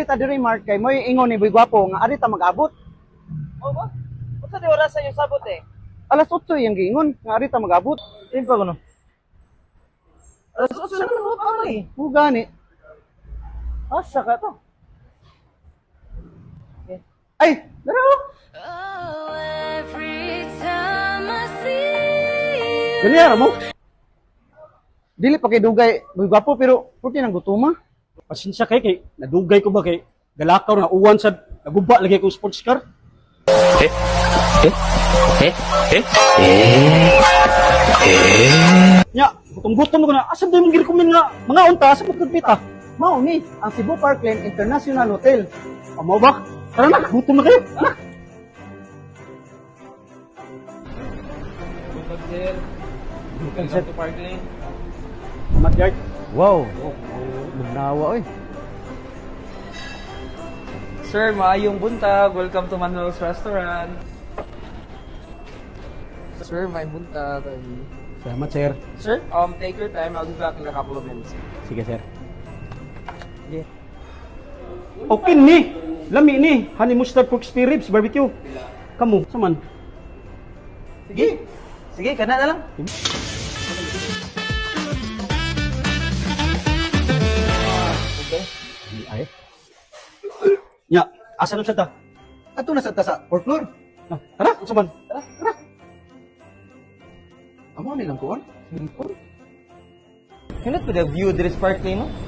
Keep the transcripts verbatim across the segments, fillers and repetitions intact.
ta diri Mark kay mo ingon ni Boy Gwapo nga ari ta mag-abot. O ba? Unsa di oras sa iyo sabot eh? Alas otso yung giingon nga ari ta mag-abot. Din pa kuno. Alas otso na mo pa eh. Mo gani. Asa ka to? Ay, dara. Oh, every time I see Dali ara mo. Dili pa kay dugay Boy Gwapo pero puti nang gutuma. Pasensya kay kay nadugay ko ba kay galakaw na uwan sa naguba lagi ko sports car. Nya, gutom-gutom ko na. Asa day mong girecommend nga mga unta sa pagkagpita? Mao ni ang Cebu Parkland International Hotel. Amo ba? Tara na, gutom na kayo. Anak. Good sir. Welcome to Parkland. Mat yard. Wow. Magnawa oy. Sir, maayong buntag. Welcome to Manuel's Restaurant. Sir, may buntag. Salamat, sir. Sir, um, take your time. I'll be back in a couple of minutes. Sige, sir. Okay ni. Lami ni. Honey mustard pork spare ribs barbecue. Kamu, saman. Sige. Sige, kana na lang. Okay. Ay. Nya, asa na siya ta? Ato na sa ta sa fourth floor. Ah, tara, saman. Amo ni lang kuan. Cannot be the view of this Parkland, no?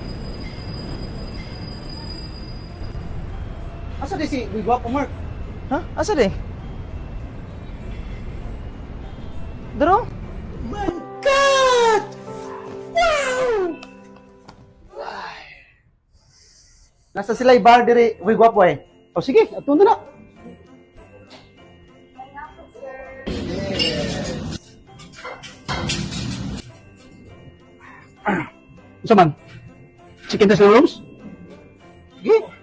Asa di si Boy Gwapo Mark? Ha? Asa di? Daro? Nasa sila bar diri Boy Gwapo eh. O sige, ato na na. Saman. Chicken tas na rolls? Sige.